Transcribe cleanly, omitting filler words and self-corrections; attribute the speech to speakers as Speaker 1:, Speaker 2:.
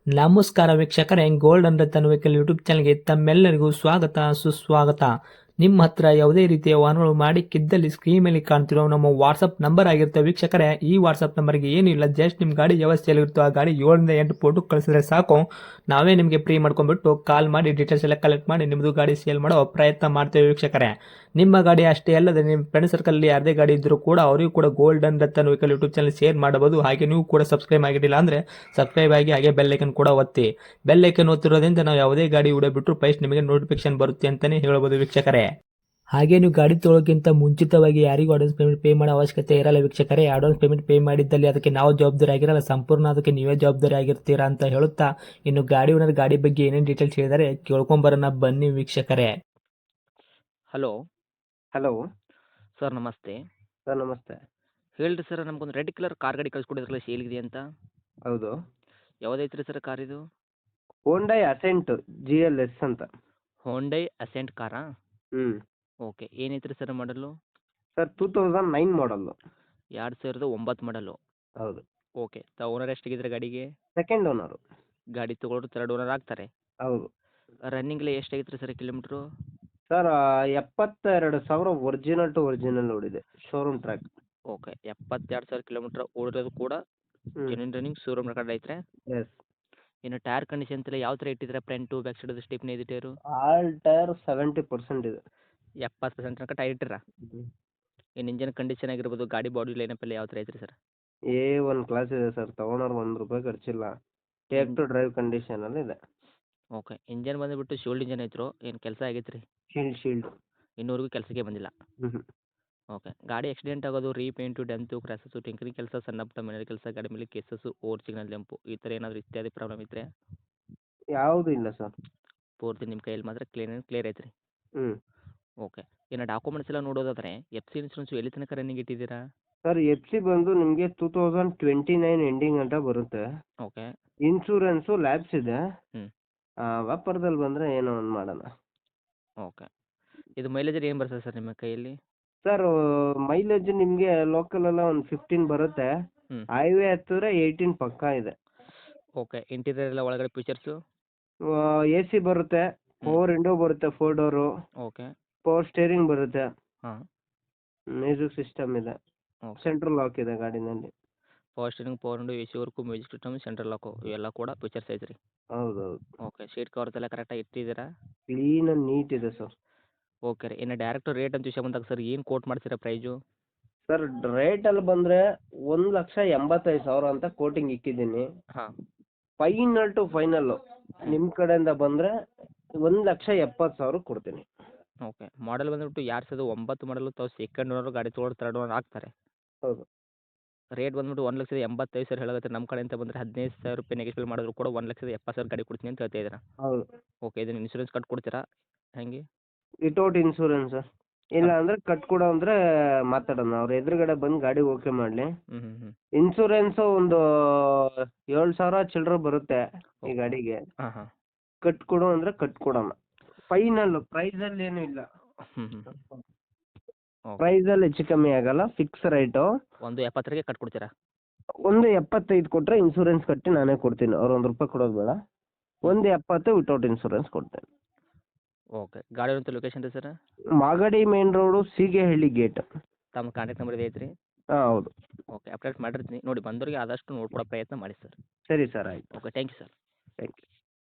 Speaker 1: ನಮಸ್ಕಾರ ವೀಕ್ಷಕರೇ, golden Ratan vehicle YouTube ಚಾನಲ್ಗೆ ತಮ್ಮೆಲ್ಲರಿಗೂ ಸ್ವಾಗತ ಸುಸ್ವಾಗತ. ನಿಮ್ಮ ಹತ್ರ ಯಾವುದೇ ರೀತಿಯ ವಾಹನಗಳು ಮಾಡಿಕ್ಕಿದ್ದಲ್ಲಿ ಸ್ಕ್ರೀನ್ ಮೇಲೆ ಕಾಣ್ತಿರೋ ನಮ್ಮ ವಾಟ್ಸಪ್ ನಂಬರ್ ಆಗಿರುತ್ತೆ ವೀಕ್ಷಕರೇ. ಈ ವಾಟ್ಸಪ್ ನಂಬರ್ಗೆ ಏನಿಲ್ಲ, ಜಸ್ಟ್ ನಿಮ್ಮ ಗಾಡಿ ವ್ಯವಸ್ಥೆಯಲ್ಲಿರುತ್ತೋ ಆ ಗಾಡಿ 7 ರಿಂದ 8 ಫೋಟೋ ಕಳಿಸಿದ್ರೆ ಸಾಕು, ನಾವೇ ನಿಮಗೆ ಫ್ರೀ ಮಾಡ್ಕೊಂಡ್ಬಿಟ್ಟು ಕಾಲ್ ಮಾಡಿ ಡೀಟೇಲ್ಸ್ ಎಲ್ಲ ಕಲೆಕ್ಟ್ ಮಾಡಿ ನಿಮ್ಮದು ಗಾಡಿ ಸೇಲ್ ಮಾಡೋ ಪ್ರಯತ್ನ ಮಾಡ್ತೇವೆ ವೀಕ್ಷಕರೇ. ನಿಮ್ಮ ಗಾಡಿ ಅಷ್ಟೇ ಅಲ್ಲದೆ ನಿಮ್ಮ ಫ್ರೆಂಡ್ ಸರ್ಕಲ್ ಯಾರದೇ ಗಾಡಿ ಇದ್ದರೂ ಕೂಡ ಅವರಿಗೂ ಕೂಡ golden Ratan vehicle YouTube channel share ಮಾಡಬಹುದು. ಹಾಗೆ ನೀವು ಕೂಡ ಸಬ್ಸ್ಕ್ರೈಬ್ ಆಗಿರಲಿಲ್ಲ ಅಂದರೆ ಸಬ್ಸ್ಕ್ರೈಬ್ ಆಗಿ ಹಾಗೆ ಬೆಲ್ ಐಕನ್ ಕೂಡ ಒತ್ತಿ. ಬೆಲ್ ಐಕನ್ ಒತ್ತಿರೋದ್ರಿಂದ ನಾವು ಯಾವುದೇ ಗಾಡಿ ವಿಡಿಯೋ ಬಿಟ್ಟರು ಫಸ್ಟ್ ನಿಮಗೆ ನೋಟಿಫಿಕೇಶನ್ ಬರುತ್ತೆ ಅಂತಾನೆ ಹೇಳ್ಬೋದು ವೀಕ್ಷಕರೇ. ಹಾಗೆ ನೀವು ಗಾಡಿ ತೊಳೋಕ್ಕಿಂತ ಮುಂಚಿತವಾಗಿ ಯಾರಿಗೂ ಅಡ್ವಾನ್ಸ್ ಪೇಮೆಂಟ್ ಪೇ ಮಾಡೋ ಅವಶ್ಯಕತೆ ಇರಲ್ಲ ವೀಕ್ಷಕರೇ. ಅಡ್ವಾನ್ಸ್ ಪೇಮೆಂಟ್ ಪೇ ಮಾಡಿದ್ದಲ್ಲಿ ಅದಕ್ಕೆ ನಾವು ಜವಾಬ್ದಾರಿ ಆಗಿರಲ್ಲ, ಸಂಪೂರ್ಣ ಅದಕ್ಕೆ ನೀವೇ ಜವಾಬ್ದಾರಿ ಆಗಿರ್ತೀರಾ ಅಂತ ಹೇಳುತ್ತಾ, ಇನ್ನು ಗಾಡಿ ಓನರ್ ಗಾಡಿ ಬಗ್ಗೆ ಏನೇನು ಡೀಟೇಲ್ಸ್ ಹೇಳಿದರೆ ಕೇಳ್ಕೊಂಬರೋಣ ಬನ್ನಿ ವೀಕ್ಷಕರೇ.
Speaker 2: ಹಲೋ
Speaker 3: ಹಲೋ
Speaker 2: ಸರ್, ನಮಸ್ತೆ.
Speaker 3: ಸರ್ ನಮಸ್ತೆ.
Speaker 2: ಹೇಳ್ರಿ ಸರ್, ನಮಗೊಂದು ರೆಡ್ ಕಲರ್ ಕಾರ್ ಗಾಡಿ ಕಳಿಸ್ಕೊಡಿದ್ರಲ್ಲ, ಸೇಲ್ಗಿದೆ ಅಂತ.
Speaker 3: ಹೌದು,
Speaker 2: ಯಾವುದೈತ್ರಿ ಸರ್ ಕಾರ್ ಇದು?
Speaker 3: ಹೋಂಡೈ ಅಸೆಂಟ್ GLS ಅಂತ.
Speaker 2: ಹೋಂಡೈ ಅಸೆಂಟ್ ಕಾರಾ?
Speaker 3: ಹ್ಞೂ
Speaker 2: ಓಕೆ. ಏನೈತ್ರಿ sir model?
Speaker 3: Sir 2009 model.
Speaker 2: 2009 model.
Speaker 3: ಹೌದು.
Speaker 2: ಓಕೆ. ಓನರ್ ಎಷ್ಟಾಗಿದ್ರೆ ಗಾಡಿಗೆ?
Speaker 3: Second owner.
Speaker 2: ಗಾಡಿ ತೊಗೊಳೋರು ಥರ್ಡ್ ಓನರ್ ಆಗ್ತಾರೆ.
Speaker 3: ಹೌದು.
Speaker 2: ರನ್ನಿಂಗ್ಲಿ ಎಷ್ಟಾಗಿತ್ತು sir kilometre?
Speaker 3: Sir 72,000 original to original ಓಡಿದೆ, ಶೋರೂಮ್ ಟ್ರ್ಯಾಕ್.
Speaker 2: ಓಕೆ. 72,000 ಕಿಲೋಮೀಟ್ರ್ ಓಡಿರೋದು ಕೂಡ
Speaker 3: ಹ್ಞೂ
Speaker 2: ಜೆನ್ಯೂನ್ ರನ್ನಿಂಗ್ ಶೋರೂಮ್ ರೆಕಾರ್ಡ್ ಐತ್ರೆ.
Speaker 3: ಎಸ್.
Speaker 2: ಇನ್ನು ಟೈರ್ ಕಂಡೀಷನ್ ಎಲ್ಲ ಯಾವ ಥರ ಇಟ್ಟಿದ್ರೆ? ಫ್ರಂಟು ಬ್ಯಾಕ್ ಸೈಡ್ ಸ್ಟಿಪ್ನೇ ಇದೆ ಟೈರು?
Speaker 3: ಆಲ್ ಟೈರ್ 70% ಇದೆ.
Speaker 2: 70% ತನಕ ಟೈರ್ ಇಟ್ಟಿರಾ? ಇನ್ನು ಇಂಜನ್ ಕಂಡೀಷನ್ ಆಗಿರ್ಬೋದು, ಗಾಡಿ ಬಾಡಿ ಲೈನಪ್ ಎಲ್ಲ ಯಾವ ಥರ ಐತ್ರಿ ಸರ್?
Speaker 3: A1 ಕ್ಲಾಸ್ ಇದೆ ಸರ್, ತೊಗೊಳೋರು ₹1 ಖರ್ಚಿಲ್ಲ. ಟೇಕ್ ಟು ಡ್ರೈವ್ ಕಂಡೀಷನಲ್ಲಿ ಇದೆ.
Speaker 2: ಓಕೆ. ಇಂಜನ್ ಬಂದುಬಿಟ್ಟು ಶೋಲ್ಡ್ ಇಂಜನ್ ಐತ್ರೋ, ಏನು ಕೆಲಸ ಆಗೈತೆ ರೀ?
Speaker 3: ಶೀಲ್ಡ್.
Speaker 2: ಇನ್ನೂವರೆಗೂ ಕೆಲಸಕ್ಕೆ ಬಂದಿಲ್ಲ.
Speaker 3: ಹ್ಞೂ.
Speaker 2: ಓಕೆ. ಗಾಡಿ ಆಕ್ಸಿಡೆಂಟ್ ಆಗೋದು, ರೀಪೇಂಟು, ಡೆಂತು, ಕ್ರ್ಯಾಸಸ್ಸು, ಟಿಂಕರಿಂಗ್ ಕೆಲಸ, ಸಣ್ಣ ಪುಟ್ಟ ಮನೆ ಕೆಲಸ, ಗಾಡಿ ಮೇಲೆ ಕೇಸಸ್ಸು, ಓವರ್ ಸಿಗ್ನಲ್ ಜಂಪು, ಈ ಥರ ಏನಾದರೂ ಇತ್ಯಾದಿ ಪ್ರಾಬ್ಲಮ್ ಇದ್ದರೆ?
Speaker 3: ಯಾವುದೂ ಇಲ್ಲ ಸರ್.
Speaker 2: ಪೂರ್ತಿ ನಿಮ್ಮ ಕೈಯಲ್ಲಿ ಮಾತ್ರ ಕ್ಲಿಯರ್ ಐತೆ ರೀ?
Speaker 3: ಹ್ಞೂ.
Speaker 2: ಓಕೆ. ಇನ್ನು ಡಾಕ್ಯುಮೆಂಟ್ಸ್ ಎಲ್ಲ ನೋಡೋದಾದರೆ FC ಇನ್ಸೂರೆನ್ಸು ಎಲ್ಲಿ ತನಕ ರನ್ನಿಂಗ್ ಇಟ್ಟಿದ್ದೀರಾ?
Speaker 3: ಸರ್ FC ಬಂದು ನಿಮಗೆ 2029 ಎಂಡಿಂಗ್ ಅಂತ ಬರುತ್ತೆ.
Speaker 2: ಓಕೆ.
Speaker 3: ಇನ್ಶೂರೆನ್ಸು ಲ್ಯಾಬ್ಸ್ ಇದೆ.
Speaker 2: ಹ್ಞೂ.
Speaker 3: ವ್ಯಾಪಾರದಲ್ಲಿ ಬಂದರೆ ಏನೋ ಒಂದು ಮಾಡೋಣ.
Speaker 2: ಓಕೆ. ಇದು ಮೈಲೇಜ್ ಏನು ಬರ್ತದೆ ಸರ್ ನಿಮ್ಮ ಕೈಯಲ್ಲಿ?
Speaker 3: ಸರ್ ಮೈಲೇಜ್ ನಿಮಗೆ ಲೋಕಲೆಲ್ಲ ಒಂದು 15 ಬರುತ್ತೆ.
Speaker 2: ಹ್ಞೂ.
Speaker 3: ಹೈವೇ ಹತ್ತಿರ 18 ಪಕ್ಕಾ ಇದೆ.
Speaker 2: ಓಕೆ. ಇಂಟೀರಿಯರ್ ಎಲ್ಲ ಒಳಗಡೆ ಫೀಚರ್ಸು?
Speaker 3: AC ಬರುತ್ತೆ, ಪವರ್ ವಿಂಡೋ ಬರುತ್ತೆ, 4 ಡೋರು,
Speaker 2: ಓಕೆ.
Speaker 3: ಪವರ್ ಸ್ಟೇರಿಂಗ್ ಬರುತ್ತೆ,
Speaker 2: ಹಾಂ.
Speaker 3: ಮ್ಯೂಸಿಕ್ ಸಿಸ್ಟಮ್ ಇದೆ,
Speaker 2: ಓಕೆ.
Speaker 3: ಸೆಂಟ್ರಲ್ ಲಾಕ್ ಇದೆ ಗಾಡಿನಲ್ಲಿ.
Speaker 2: Power steering, power window, AC work, music system, central lock ಇವೆಲ್ಲ ಕೂಡ ಫೀಚರ್ಸ್ ಐತೆ ರೀ?
Speaker 3: ಹೌದೌದು.
Speaker 2: ಓಕೆ. ಸೀಟ್ ಕವರ್ಸ್ ಎಲ್ಲ ಕರೆಕ್ಟಾಗಿ ಇಟ್ಟಿದ್ದೀರಾ?
Speaker 3: ಕ್ಲೀನ್ ಆ್ಯಂಡ್ ನೀಟ್ ಇದೆ ಸರ್.
Speaker 2: ಓಕೆ ರೀ. ಇನ್ನು ಡೈರೆಕ್ಟ್ ರೇಟ್ ಅಂತ ವಿಷಯ ಬಂದಾಗ ಸರ್, ಏನು ಕೋಟ್ ಮಾಡ್ತೀರಾ ಪ್ರೈಜು?
Speaker 3: ಸರ್ ರೇಟಲ್ಲಿ ಬಂದರೆ 1,85,000 ಅಂತ ಕೋಟಿಂಗ್ ಇಕ್ಕಿದ್ದೀನಿ.
Speaker 2: ಹಾಂ.
Speaker 3: ಫೈನಲ್ ಟು ಫೈನಲ್ಲು ನಿಮ್ಮ ಕಡೆಯಿಂದ ಬಂದರೆ 1,70,000 ಕೊಡ್ತೀನಿ.
Speaker 2: ಓಕೆ. ಮಾಡಲ್ ಬಂದುಬಿಟ್ಟು 2009 ಮಾಡಲು, ತಾವು ಸೆಕೆಂಡ್ ಓನರು, ಗಾಡಿ ತೊಗೊಳೋರು ಥರ್ಡ್ ಓನರ್ ಆಗ್ತಾರೆ.
Speaker 3: ಹೌದು.
Speaker 2: ರೇಟ್ ಬಂದುಬಿಟ್ಟು 1,85,000 ಹೇಳಕತ್ತೀರಿ. ನಮ್ಮ ಕಡೆಯಿಂದ ಬಂದರೆ ₹15,000 ನೆಗೆಶ್ಬಲ್ ಮಾಡಿದ್ರು ಕೂಡ 1,70,000 ಗಾಡಿ ಕೊಡ್ತೀನಿ ಅಂತ ಹೇಳ್ತಾ ಇದ್ದೀರಾ?
Speaker 3: ಹೌದು.
Speaker 2: ಓಕೆ. ಇದನ್ನು ಇನ್ಶೂರೆನ್ಸ್ ಕಟ್ ಕೊಡ್ತೀರಾ ಹೇಗೆ?
Speaker 3: Without insurance. ಇಲ್ಲ ಅಂದರೆ ಕಟ್ಕೊಡೋ ಅಂದರೆ ಮಾತಾಡೋಣ, ಅವ್ರ ಎದುರುಗಡೆ ಬಂದು ಗಾಡಿ ಓಕೆ ಮಾಡಲಿ.
Speaker 2: ಹ್ಞೂ ಹ್ಞೂ ಹ್ಞೂ.
Speaker 3: ಇನ್ಶೂರೆನ್ಸು ಒಂದು 7,000 ಚಿಲ್ಲರೆ ಬರುತ್ತೆ ಈ ಗಾಡಿಗೆ.
Speaker 2: ಹಾಂ ಹಾಂ.
Speaker 3: ಕಟ್ಕೊಡು ಅಂದರೆ ಕಟ್ಕೊಡೋಣ. ಫೈನಲ್ಲು ಪ್ರೈಸಲ್ಲಿ ಏನೂ ಇಲ್ಲ.
Speaker 2: ಹ್ಞೂ ಹ್ಞೂ. ಓಕೆ.
Speaker 3: ಪ್ರೈಸಲ್ಲಿ ಹೆಚ್ಚು ಕಮ್ಮಿ ಆಗಲ್ಲ, ಫಿಕ್ಸ್ ರೇಟು.
Speaker 2: 170ಗೆ ಕಟ್ ಕೊಡ್ತೀರಾ?
Speaker 3: 1,75 ಕೊಟ್ಟರೆ ಇನ್ಶೂರೆನ್ಸ್ ಕಟ್ಟಿ ನಾನೇ ಕೊಡ್ತೀನಿ, ಅವ್ರು ₹1 ಕೊಡೋದು ಬೇಡ. 1,70 ವಿತೌಟ್ ಇನ್ಶೂರೆನ್ಸ್ ಕೊಡ್ತೇನೆ.
Speaker 2: ಓಕೆ. ಗಾಡಿ ಇರೋಂಥ ಲೊಕೇಶನ್ ರೀ sir?
Speaker 3: Magadi main road, Seegehalli gate.
Speaker 2: ತಮ್ಮ ಕಾಂಟ್ಯಾಕ್ಟ್ ನಂಬರ್ ಇದೆ ಐತ್ರಿ?
Speaker 3: ಹಾಂ ಹೌದು.
Speaker 2: ಓಕೆ. ಅಪ್ಡೇಟ್ ಮಾಡಿರ್ತೀನಿ ನೋಡಿ, ಬಂದವರಿಗೆ ಆದಷ್ಟು ನೋಡ್ಕೊಡೋ ಪ್ರಯತ್ನ ಮಾಡಿ ಸರ್.
Speaker 3: ಸರಿ ಸರ್, ಆಯಿತು.
Speaker 2: Okay. Thank you sir.
Speaker 3: Thank you.